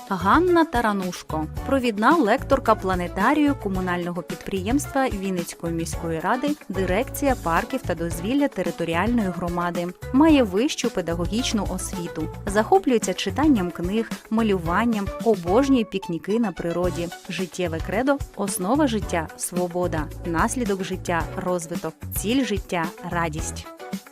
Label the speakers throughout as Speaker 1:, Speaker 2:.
Speaker 1: Ганна Таранушко, провідна лекторка планетарію комунального підприємства Вінницької міської ради, дирекція парків та дозвілля територіальної громади. Має вищу педагогічну освіту. Захоплюється читанням книг, малюванням, обожнює пікніки на природі. Життєве кредо – основа життя – свобода, наслідок життя – розвиток, ціль життя – радість.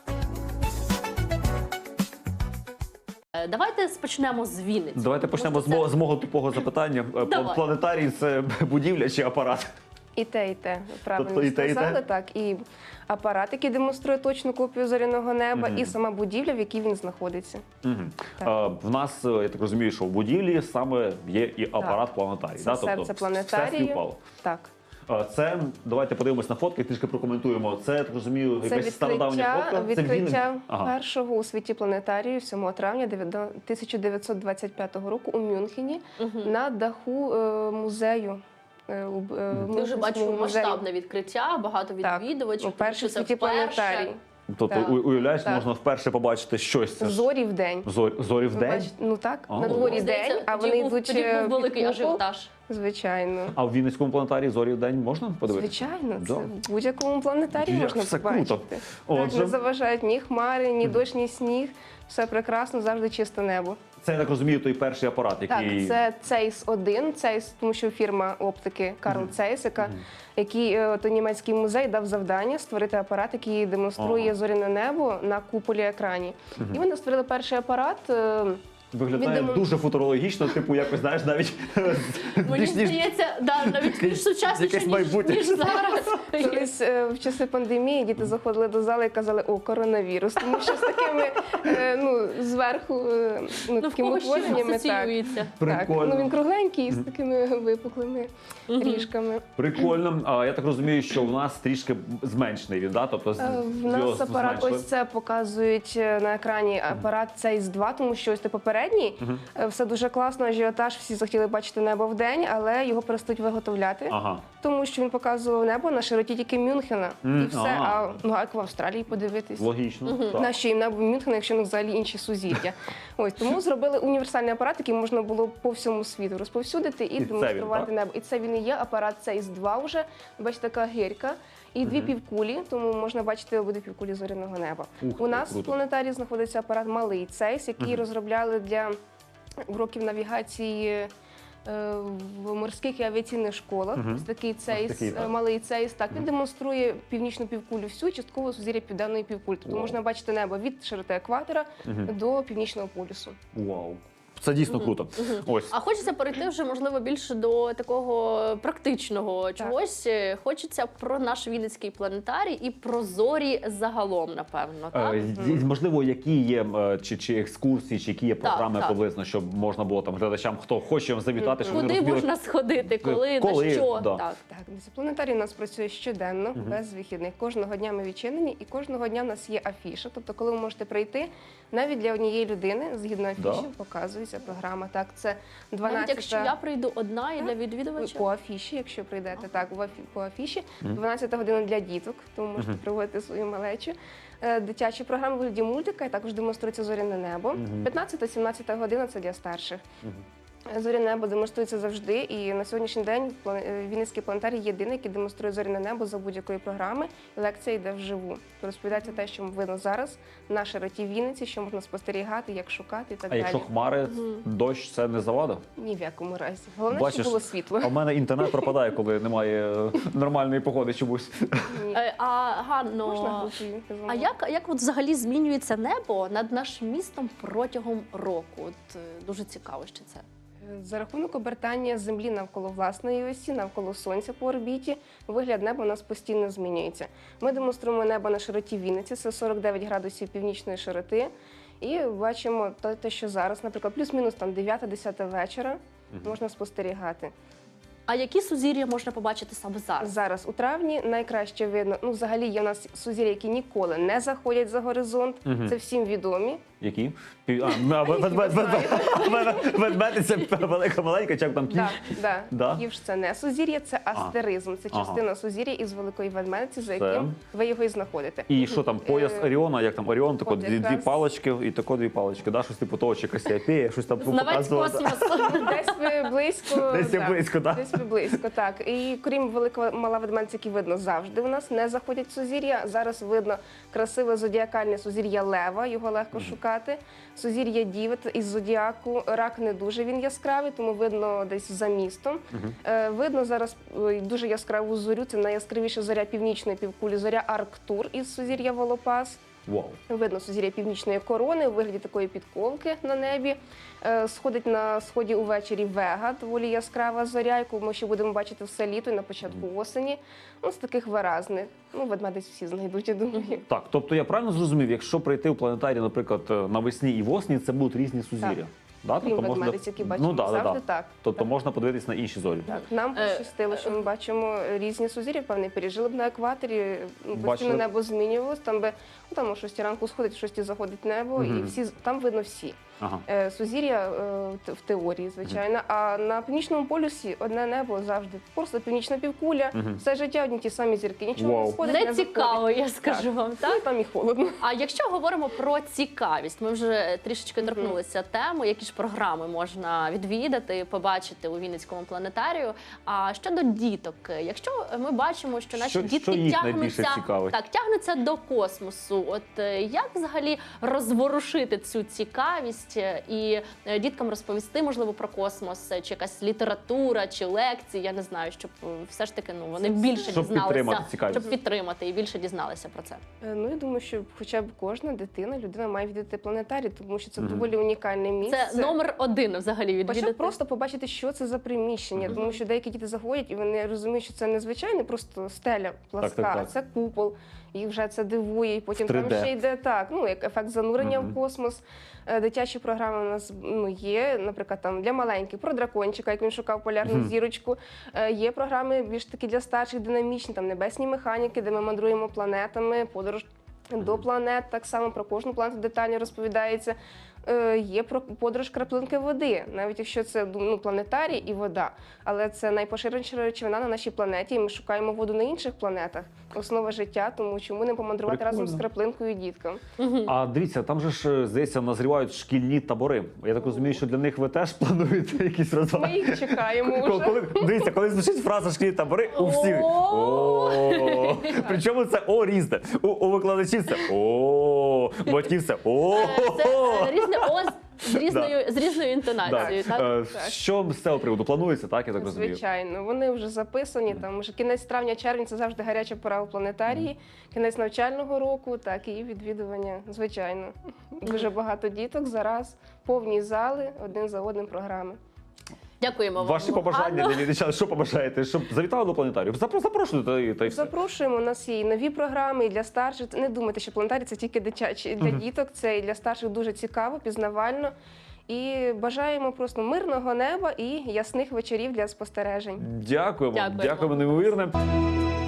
Speaker 2: Давайте почнемо з Вінниці.
Speaker 3: Давайте почнемо з мого тупого запитання.
Speaker 2: Давай.
Speaker 3: Планетарій – це будівля чи апарат?
Speaker 4: І те, правильно
Speaker 3: Тобто і те, і те?
Speaker 4: сказали, так. І апарат, який демонструє точну копію зоряного неба, і сама будівля, в якій він знаходиться.
Speaker 3: В нас, я так розумію, що в будівлі саме є і апарат планетарій.
Speaker 4: Це
Speaker 3: да?
Speaker 4: серце
Speaker 3: Тобто,
Speaker 4: планетарію.
Speaker 3: все співпало.
Speaker 4: Так.
Speaker 3: Це, давайте подивимось на фотки, трішки прокоментуємо. Це, я так розумію,
Speaker 4: Це
Speaker 3: якась стародавня фотка?
Speaker 4: відкриття
Speaker 3: Ага.
Speaker 4: першого у світі планетарію 7 травня 1925 року у Мюнхені на даху музею.
Speaker 2: Дуже бачу масштабне відкриття, багато відвідувачів.
Speaker 4: Так, перший у
Speaker 2: Це
Speaker 4: світі
Speaker 2: вперше.
Speaker 4: планетарій.
Speaker 3: Тобто,
Speaker 4: Так.
Speaker 3: уявляєш,
Speaker 4: Так.
Speaker 3: можна вперше побачити щось. Це ж
Speaker 4: Зорі в день.
Speaker 3: зорі в день?
Speaker 4: Ну так,
Speaker 3: А,
Speaker 4: на дворі
Speaker 2: Здається,
Speaker 4: день, а
Speaker 2: тоді
Speaker 4: вони
Speaker 2: був-
Speaker 4: йдуть
Speaker 2: тоді був великий
Speaker 4: під купол.
Speaker 2: ажіотаж.
Speaker 4: Звичайно.
Speaker 3: А в Вінницькому планетарії зорі в день можна подивитися?
Speaker 4: Звичайно,
Speaker 3: Да.
Speaker 4: це в будь-якому планетарії
Speaker 3: Як
Speaker 4: можна
Speaker 3: все
Speaker 4: побачити.
Speaker 3: круто.
Speaker 4: Так,
Speaker 3: Отже.
Speaker 4: не заважають ні хмари, ні дощ, ні сніг. Все прекрасно, завжди чисте небо.
Speaker 3: Це, я так розумію, той перший апарат, який...
Speaker 4: Так, це Zeiss-1, Zeiss, тому що фірма оптики Карл Zeiss, який то німецький музей дав завдання створити апарат, який демонструє зоряне небо на куполі екрані. І вони створили перший апарат.
Speaker 3: Виглядає дуже футурологічно, типу, якось, знаєш, навіть...
Speaker 2: Мені здається, навіть більш сучасніше,
Speaker 3: якесь майбутнє.
Speaker 2: ніж зараз.
Speaker 4: Колись в часи пандемії діти заходили до зали і казали: «О, коронавірус», тому що з такими, зверху,
Speaker 2: В
Speaker 4: такими
Speaker 2: кого що
Speaker 4: утвореннями. Так,
Speaker 2: асоціюється.
Speaker 3: Прикольно.
Speaker 4: він кругленький, з такими випуклими ріжками.
Speaker 3: Прикольно. А я так розумію, що в нас трішки зменшений він, да? Тобто
Speaker 4: В нас апарат,
Speaker 3: зменшили.
Speaker 4: ось це показують на екрані апарат Zeiss-2, тому що ось це попередній. Все дуже класно, ажіотаж, всі захотіли бачити небо вдень, але його перестають виготовляти.
Speaker 3: Ага.
Speaker 4: Тому що він показував небо на широті тільки Мюнхена. І все.
Speaker 3: ага.
Speaker 4: А як в Австралії подивитись?
Speaker 3: Логічно. Так.
Speaker 4: Нащо їм небо Мюнхена, якщо не взагалі інші сузір'я? Ось тому зробили універсальний апарат, який можна було по всьому світу розповсюдити і
Speaker 3: це
Speaker 4: демонструвати
Speaker 3: він,
Speaker 4: небо. І це він і є апарат Zeiss-2 вже. Бачите, така гирька. І дві півкулі, тому можна бачити обидві півкулі зоряного неба.
Speaker 3: Ух ти,
Speaker 4: У нас
Speaker 3: круто.
Speaker 4: в планетарії знаходиться апарат малий Zeiss, який розробляли для уроків навігації в морських і авіаційних школах. Ось такий
Speaker 3: такий,
Speaker 4: Zeiss,
Speaker 3: так.
Speaker 4: малий Zeiss. Так, він демонструє північну півкулю всю, частково сузір'я південної півкулі. Тобто можна бачити небо від широти екватора до північного полюсу.
Speaker 3: Вау. Це дійсно круто. Ось.
Speaker 2: А хочеться перейти вже, можливо, більше до такого практичного чогось. Хочеться про наш Вінницький планетарій і про зорі загалом, напевно, так?
Speaker 3: Можливо, які є чи екскурсії, чи які є програми
Speaker 2: так.
Speaker 3: приблизно, щоб можна було там глядачам, хто хоче завітати, щоб вони
Speaker 2: Куди
Speaker 3: розуміли.
Speaker 2: можна сходити, коли, на що?
Speaker 3: да.
Speaker 2: Так.
Speaker 4: Так, планетарій у нас працює щоденно, без вихідних. Кожного дня ми відчинені, і кожного дня у нас є афіша. Тобто, коли ви можете прийти, навіть для однієї людини, згідно афіші, показується програма. Так, це 12
Speaker 2: Навіть якщо я прийду одна і для відвідувача?
Speaker 4: по афіші, якщо прийдете, так, по афіші. 12 година для діток, тому можете проводити свою малечу. Дитячі програми у вигляді мультика, і також демонструється зоряне небо. 15-17 година – це для старших. Зоряне небо демонструється завжди, і на сьогоднішній день Вінницький планетарій єдиний, який демонструє зоряне небо за будь-якої програми. Лекція йде вживу. Розповідається те, що видно зараз на широті Вінниці, що можна спостерігати, як шукати і так
Speaker 3: А
Speaker 4: далі.
Speaker 3: якщо хмари, дощ, це не завада?
Speaker 4: Ні в якому разі. Головне,
Speaker 3: Бачиш,
Speaker 4: щоб було світло.
Speaker 3: А в мене інтернет пропадає, коли немає нормальної погоди чомусь.
Speaker 2: А, Ганно,
Speaker 4: Можна групою?
Speaker 2: а як от взагалі змінюється небо над нашим містом протягом року? От дуже цікаво, що це.
Speaker 4: За рахунок обертання Землі навколо власної осі, навколо Сонця по орбіті, вигляд неба у нас постійно змінюється. Ми демонструємо небо на широті Вінниці, це 49 градусів північної широти, і бачимо те, що зараз, наприклад, плюс-мінус 9-10 вечора можна спостерігати.
Speaker 2: А які сузір'я можна побачити саме зараз?
Speaker 4: Зараз, у травні, найкраще видно, взагалі є у нас сузір'я, які ніколи не заходять за горизонт, це всім відомі.
Speaker 3: Які? Ведмедиця велика, маленька, чи як там кіш?
Speaker 4: Так,
Speaker 3: Да?
Speaker 4: Ківш це не сузір'я, це астеризм. Це частина сузір'я із великої ведмедиці, за
Speaker 3: Все.
Speaker 4: яким ви його і знаходите.
Speaker 3: І що там, пояс Оріона, як там Оріон, тако
Speaker 4: от
Speaker 3: дві
Speaker 4: якраз.
Speaker 3: палочки і тако дві палочки, да? Щось типу того, чи Касіопея, щось там
Speaker 2: Знавець
Speaker 3: показувало.
Speaker 2: космосу.
Speaker 4: Десь ви близько.
Speaker 3: Десь
Speaker 4: да.
Speaker 3: близько, так?
Speaker 4: Десь ви близько, так. І крім великого мала ведмедиця, які видно завжди у нас, не заходять в сузір'я. Зараз видно красиве зодіакальне сузір'я Лева, його легко шукати. Сузір'я Діви із зодіаку. Рак не дуже він яскравий, тому видно десь за містом. Видно зараз дуже яскраву зорю. Це найяскравіша зоря північної півкулі, зоря Арктур із сузір'я Волопас.
Speaker 3: Вау.
Speaker 4: Видно сузір'я північної корони у вигляді такої підковки на небі. Сходить на сході увечері Вега, доволі яскрава зоря, яку ми ще будемо бачити все літо і на початку осені. Ну, з таких виразних. Ну, ведмедиць всі знайдуть, я думаю.
Speaker 3: Так, тобто я правильно зрозумів, якщо прийти в планетарій, наприклад, навесні і восені, це будуть різні сузір'я? Да?
Speaker 4: Крім ведмедиць, які бачимо завжди, так.
Speaker 3: Тобто
Speaker 4: Так.
Speaker 3: можна подивитись на інші зорі.
Speaker 4: Так, нам пощастило, що ми бачимо різні сузір'я, певний пережили б на екваторі,
Speaker 3: Бачили.
Speaker 4: постійно небо змінювалось, там би, ну, там о 6 ранку сходить, о 6 заходить небо, і всі, там видно всі.
Speaker 3: Ага.
Speaker 4: Сузір'я в теорії, звичайно, а на північному полюсі одне небо завжди. Просто північна півкуля, все життя одні ті самі зірки, нічого
Speaker 3: Вау.
Speaker 4: не сходить,
Speaker 2: Не
Speaker 4: не
Speaker 2: цікаво,
Speaker 4: заходить.
Speaker 2: я скажу вам,
Speaker 4: Ну,
Speaker 2: так?
Speaker 4: там і холодно.
Speaker 2: А якщо говоримо про цікавість, ми вже трішечки торкнулися теми, які ж програми можна відвідати, побачити у Вінницькому планетарію. А щодо діток, якщо ми бачимо, що наші дітки
Speaker 3: що їх найбільше цікавить?
Speaker 2: тягнуться до космосу, от як взагалі розворушити цю цікавість і діткам розповісти, можливо, про космос, чи якась література, чи лекції, я не знаю, щоб все ж таки вони більше
Speaker 3: Щоб підтримати
Speaker 2: дізналися,
Speaker 3: цікавість.
Speaker 2: щоб підтримати і більше дізналися про це.
Speaker 4: Ну, я думаю, що хоча б кожна дитина, людина має відвідати планетарій, тому що це доволі унікальне місце.
Speaker 2: Це номер один взагалі відвідати.
Speaker 4: Хоча просто побачити, що це за приміщення, тому що деякі діти заходять і вони розуміють, що це незвичайно просто стеля пласка,
Speaker 3: так.
Speaker 4: це купол. Їх вже це дивує, і потім
Speaker 3: В 3D.
Speaker 4: там ще йде так, ну як ефект занурення в космос. Дитячі програми у нас є, наприклад, там для маленьких про дракончика, як він шукав полярну зірочку. Є програми більш такі для старших, динамічні, там небесні механіки, де ми мандруємо планетами, подорож до планет, так само про кожну планету детально розповідається. Є про подорож краплинки води, навіть якщо це планетарій і вода, але це найпоширеніша речовина на нашій планеті, і ми шукаємо воду на інших планетах. Основа життя, тому чому не помандрувати разом з
Speaker 3: Прикольно.
Speaker 4: краплинкою діткам.
Speaker 3: А дивіться, там же ж, здається, назрівають шкільні табори. Я так розумію, що для них ви теж плануєте якісь
Speaker 4: Ми
Speaker 3: розваги?
Speaker 4: їх чекаємо вже.
Speaker 3: Дивіться, коли звучить фраза «шкільні табори», у всіх «о». Причому це «о» різне. У викладачів це «о», у батьків це «о».
Speaker 2: Це різне «о» з різною інтонацією.
Speaker 3: Так.
Speaker 2: Так?
Speaker 3: Що з цього приводу планується, так, я так розумію?
Speaker 4: Звичайно, вони вже записані. Там вже кінець травня-червень це завжди гаряча пора у планетарії. Кінець навчального року, так і відвідування. Звичайно, дуже багато діток зараз, повні зали, один за одним програми.
Speaker 2: Дякуємо вам.
Speaker 3: Ваші побажання
Speaker 2: Анно.
Speaker 3: для дівчат, що побажаєте? Щоб завітали до планетарію? Запрошуйте та й все.
Speaker 4: Запрошуємо, у нас є і нові програми, і для старших. Не думайте, що планетарій це тільки дитячі. Для діток це і для старших дуже цікаво, пізнавально. І бажаємо просто мирного неба і ясних вечорів для спостережень.
Speaker 3: Дякуємо,
Speaker 2: Дякуємо.
Speaker 3: дякуємо неймовірне.